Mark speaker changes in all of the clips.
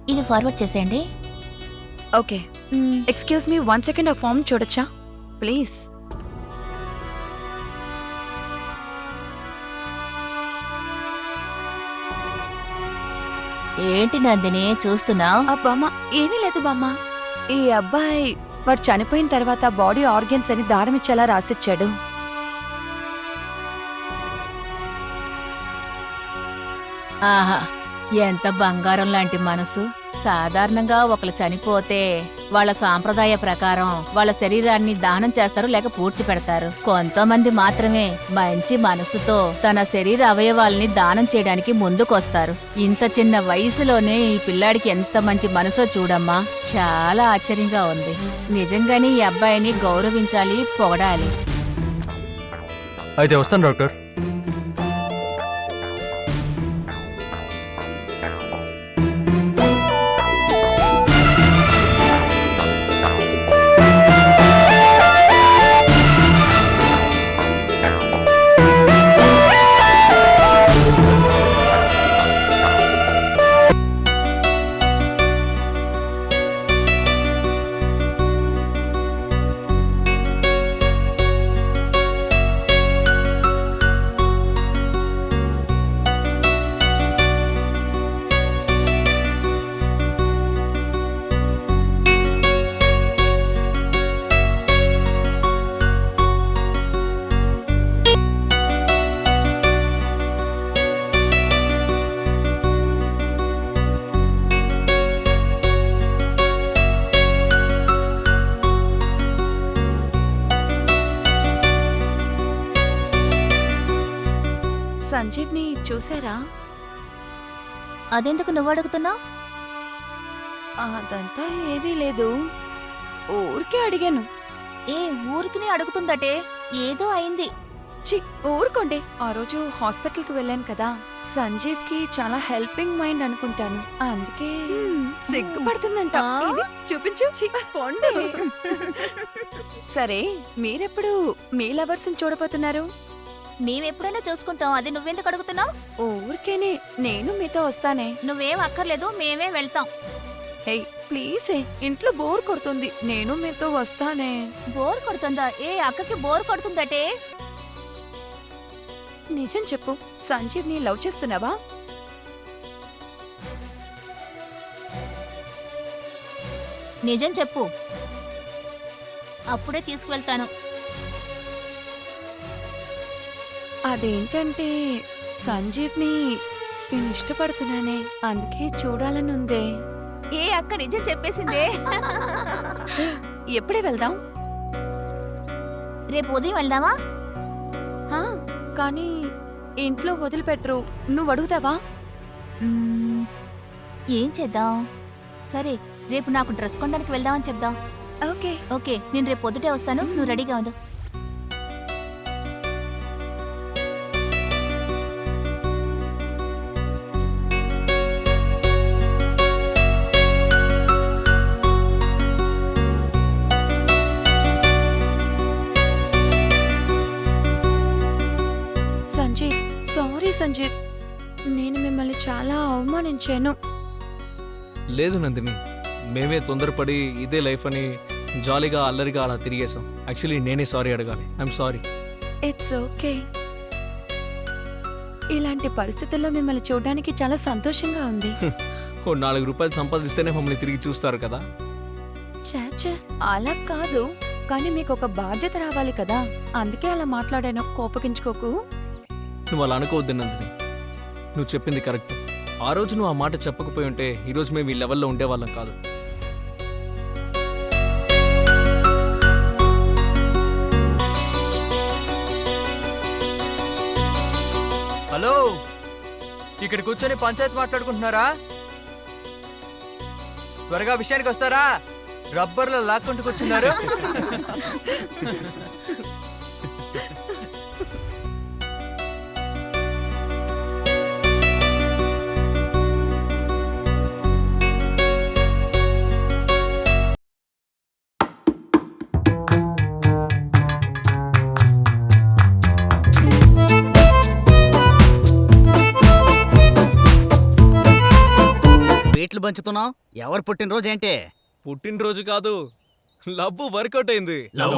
Speaker 1: ఇది ఫార్వర్డ్ చేసేయండి.
Speaker 2: Okay. Excuse me 1 second, ఆ ఫామ్ చూడొచ్చా ప్లీజ్?
Speaker 1: ఏంటి నందిని చూస్తున్నావు?
Speaker 2: బామ్మ, ఏమీ లేదు బామ్మ. ఈ అబ్బాయి వాడు చనిపోయిన తర్వాత బాడీ ఆర్గన్స్ అని దారం ఇచ్చేలా రాసిచ్చాడు.
Speaker 1: ఆహా, ఎంత బంగారం లాంటి మనసు. సాధారణంగా ఒకరు చనిపోతే వాళ్ళ సాంప్రదాయ ప్రకారం వాళ్ళ శరీరాన్ని దానం చేస్తారు, లేక పూడ్చిపెడతారు. కొంతమంది మాత్రమే మంచి మనసుతో తన శరీర అవయవాల్ని దానం చేయడానికి ముందుకొస్తారు. ఇంత చిన్న వయసులోనే ఈ పిల్లాడికి ఎంత మంచి మనసో చూడమ్మా. చాలా ఆశ్చర్యంగా ఉంది. నిజంగానే ఈ అబ్బాయిని గౌరవించాలి, పొగడాలి.
Speaker 3: అయితే వస్తాను డాక్టర్.
Speaker 2: సంజీవ్ని చూసారా?
Speaker 1: అదెందుకు నువ్వు అడుగుతున్నావు?
Speaker 2: అదంతా ఏమీ లేదు, ఊరికే అడిగాను.
Speaker 1: ఏ ఊరికి అడుగుతుందటే, ఏదో అయింది.
Speaker 2: చి ఊరుకోండి. ఆ రోజు హాస్పిటల్కి వెళ్ళాను కదా, సంజీవ్ కి చాలా హెల్పింగ్ మైండ్ అనుకుంటాను, అందుకే సిగ్గుపడుతుందంట. ఇది చూపించు. చి, పోండి. సరే, మీరెప్పుడు మీ లవర్స్ చూడబోతున్నారు?
Speaker 1: మేమెప్పుడైనా చూసుకుంటాం, అది నువ్వెందుకు అడుగుతున్నావు?
Speaker 2: ఊరికేనే, నేను మీతో వస్తానే.
Speaker 1: నువ్వేం అక్కర్లేదు, మేమే వెళ్తాం.
Speaker 2: హే ప్లీజ్, ఇంట్లో బోర్ కొడుతుంది, నేను మీతో వస్తానే.
Speaker 1: బోర్ కొడుతుందా? ఏ అక్కకి బోర్ కొడుతుందటే.
Speaker 2: నిజం చెప్పు, సంజీవ్ ని లవ్ చేస్తున్నావా?
Speaker 1: నిజం చెప్పు, అప్పుడే తీసుకువెళ్తాను.
Speaker 2: అదేంటంటే సంజీవ్ ని నేను ఇష్టపడుతున్నానే, అందుకే చూడాలని ఉందే.
Speaker 1: ఏ అక్క నిజం చెప్పేసిందే.
Speaker 2: ఎప్పుడే వెళ్దాం?
Speaker 1: రేపు ఉదయం వెళ్దామా?
Speaker 2: కానీ ఇంట్లో వదిలిపెట్టరు, నువ్వు అడుగుతావా?
Speaker 1: ఏం చేద్దాం? సరే, రేపు నాకు డ్రెస్ కొనడానికి వెళ్దామని చెప్దాం.
Speaker 2: ఓకే
Speaker 1: ఓకే, నేను రేపు పొద్దుటే వస్తాను, నువ్వు రెడీగా ఉండు.
Speaker 2: సంజీవ్, సారీ సంజీవ్, నేను మిమ్మల్ని చాలా అవమానించాను.
Speaker 3: లేదు నందిని, మేమే తొందరపడి ఇదే లైఫ్ అని జాలీగా అల్లరిగా అలా తిరిగేసాం. యాక్చువల్లీ నేనే సారీ అడగాలి. I'm sorry.
Speaker 2: It's okay. ఇలాంటి పరిస్థితుల్లో మిమ్మల్ని చూడడానికి చాలా సంతోషంగా ఉంది.
Speaker 3: ఓ 4 రూపాయలు సంపాదిస్తేనే మమ్మల్ని తిరిగి చూస్తారు కదా.
Speaker 2: చాచా, అలా కాదు, కానీ మీకు ఒక బాధ్యత రావాలి కదా, అందుకే అలా మాట్లాడాను, కోపగించుకోకు.
Speaker 3: నువ్వు అలా అనుకోవద్దు నందిని, నువ్వు చెప్పింది కరెక్ట్. ఆ రోజు నువ్వు ఆ మాట చెప్పకపోయి ఉంటే ఈరోజు మేము ఈ లెవెల్లో ఉండేవాళ్ళం కాదు.
Speaker 4: హలో, ఇక్కడ కూర్చొని పంచాయతీ మాట్లాడుకుంటున్నారా? త్వరగా విషయానికి వస్తారా? రబ్బర్లో లాక్కుంటూ కూర్చున్నారు.
Speaker 5: స్వీట్లు పంచుతున్నావు? ఎవరు పుట్టినరోజు ఏంటి?
Speaker 3: పుట్టినరోజు కాదు, లవ్ వర్కౌట్ అయింది.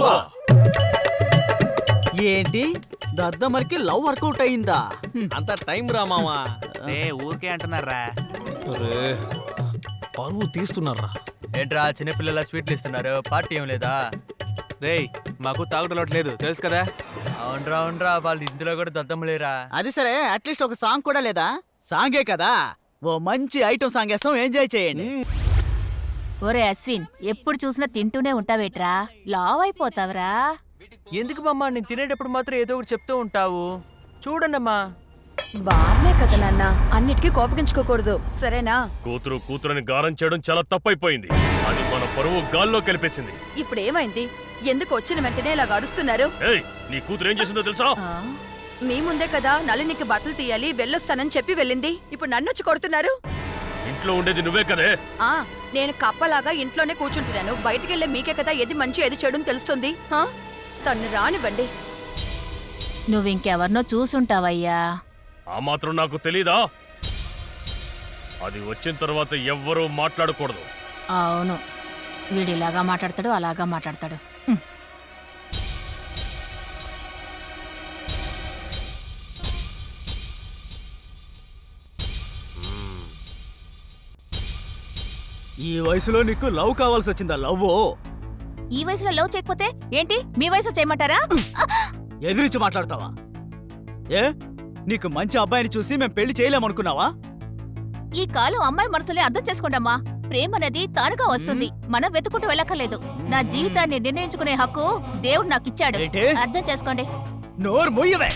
Speaker 5: ఏంటి దద్దమ్మకి లవ్ వర్కౌట్ అయిందా?
Speaker 3: అంత టైం రా మావా.
Speaker 4: ఊరికే అంటున్నారా?
Speaker 3: అరే పరువు తీస్తున్నారా?
Speaker 4: ఏంట్రా చిన్నపిల్లల స్వీట్లు ఇస్తున్నారు, పార్టీ ఏం లేదా?
Speaker 6: రేయ్ మాకు తాగుటలోటు లేదు తెలుసు కదా.
Speaker 4: అవునరా వాళ్ళు ఇందులో కూడా దద్దమ్మలేరా?
Speaker 5: అది సరే, అట్లీస్ట్ ఒక సాంగ్ కూడా లేదా? సాంగే కదా, ఓ మంచి ఐటమ్ సాంగ్ వేస్తాం, ఎంజాయ్ చేయండి.
Speaker 1: ఒరే అశ్విన్, ఎప్పుడు చూసినా తింటూనే ఉంటావేట్రా? లావ్ అయిపోతావరా?
Speaker 4: ఎందుకు బామ్మ, నేను తినేటప్పుడు మాత్రం ఏదో ఒకటి చెప్తూ ఉంటావు. చూడండమ్మా.
Speaker 2: బామ్మే కదా నాన్న, అన్నిటికీ కోపగించుకోకూడదు సరేనా?
Speaker 7: కూతురుని గారం చేయడం చాలా తప్పైపోయింది. అది మన పరువు గాల్లో కలిపేసింది.
Speaker 2: ఇప్పుడు ఏమైంది? ఎందుకు వచ్చిన వెంటనే ఇలా గడుస్తున్నారు?
Speaker 7: ఏయ్, నీ కూతురు ఏం చేసిందో తెలుసా?
Speaker 1: ఆ?
Speaker 2: మీ ముందే కదా నళినికి బట్టలు తీయాలి వెళ్ళొస్తానని చెప్పి వెళ్ళింది. ఇప్పుడు నన్ను వచ్చి కొడుతున్నారు.
Speaker 7: ఇంట్లో ఉండేది నువ్వే కదే.
Speaker 2: ఆ నేను కప్పలాగా ఇంట్లోనే కూర్చుంటున్నాను. బయటికెళ్ళే మీకే కదా ఏది మంచి ఏది చెడుని తెలుస్తుంది. తన్ను రానివ్వండి.
Speaker 1: నువ్వింకెవరినో చూసుంటావయ్యా.
Speaker 7: ఆ మాత్రం నాకు తెలీదా? అది వచ్చిన తర్వాత ఎవ్వరూ మాట్లాడకూడదు.
Speaker 1: అవును, వీడిలాగా మాట్లాడతాడు, అలాగా మాట్లాడతాడు. హ్మ్.
Speaker 5: ఈ వయసులో నీకు లవ్ కావాల్సి వచ్చిందా? లవ్
Speaker 1: ఈ వయసులో లవ్ చేయకపోతే ఏంటి, మీ వయసులో చేయమంటారా?
Speaker 5: ఎదిరించి మాట్లాడతావా? ఏ నీకు మంచి అబ్బాయిని చూసి మేం పెళ్లి చేయలేమనుకున్నావా?
Speaker 1: ఈ కాలం అమ్మాయి మనసులే అర్థం చేసుకోండమ్మా. ప్రేమ అనేది తానుగా వస్తుంది, మనం వెతుకుంటూ వెళ్ళక్కర్లేదు. నా జీవితాన్ని నిర్ణయించుకునే హక్కు దేవుడు నాకు ఇచ్చాడు.
Speaker 5: ఏంటి?
Speaker 1: అర్థం చేసుకోండి.
Speaker 5: నోరు మొయ్యవే.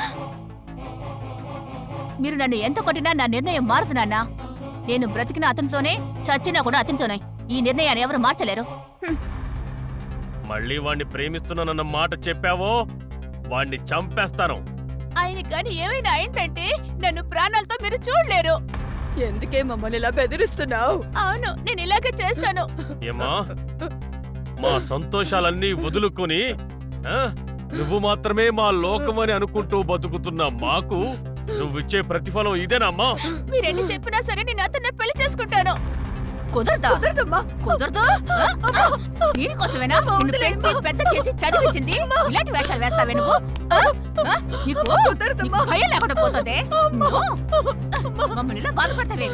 Speaker 1: మీరు నన్ను ఎంత కొట్టినా నా నిర్ణయం మారదు నాన్న. నేను బ్రతికిన అతనితోనే, చచ్చినా కూడా అతనితోనే. ఈ నిర్ణయాన్ని ఎవరు మార్చలేరు. హ్మ్.
Speaker 7: మళ్ళీ వాణ్ణి ప్రేమిస్తున్నానన్న మాట చెప్పావో వాణ్ణి చంపేస్తాను.
Speaker 1: ఆయన కానీ ఏమైనా అయిందంటే నన్ను ప్రాణాలతో మీరు చూడలేరు.
Speaker 2: ఎందుకే మమ్మల్ని ఇలా బెదిరిస్తున్నావు?
Speaker 1: అవును, నేను ఇలాగే చేస్తాను.
Speaker 7: ఏమా, మా సంతోషాలన్నీ వదులుకొని ఆ, నువ్వు మాత్రమే మా లోకమని అనుకుంటూ బతుకుతున్న మాకు నువ్విచ్చే ప్రతిఫలం ఇదేనమ్మా?
Speaker 1: మీరెన్ని చెప్పినా సరే నేను అతన్ని పెళ్లి చేసుకుంటాను. కుదరదా?
Speaker 2: కుదరదమ్మా.
Speaker 1: కుదరదు. దీనికోసమేనా నిన్ను పెంచి పెద్ద చేసి చదివించింది? ఇలాంటి వేషాలు వేస్తావే నువ్వు? నీకు
Speaker 2: కుదరదమ్మా.
Speaker 1: భయం లేకుండా పోతుంది. మమ్మల్ని ఇలా బాధపడతావేవి?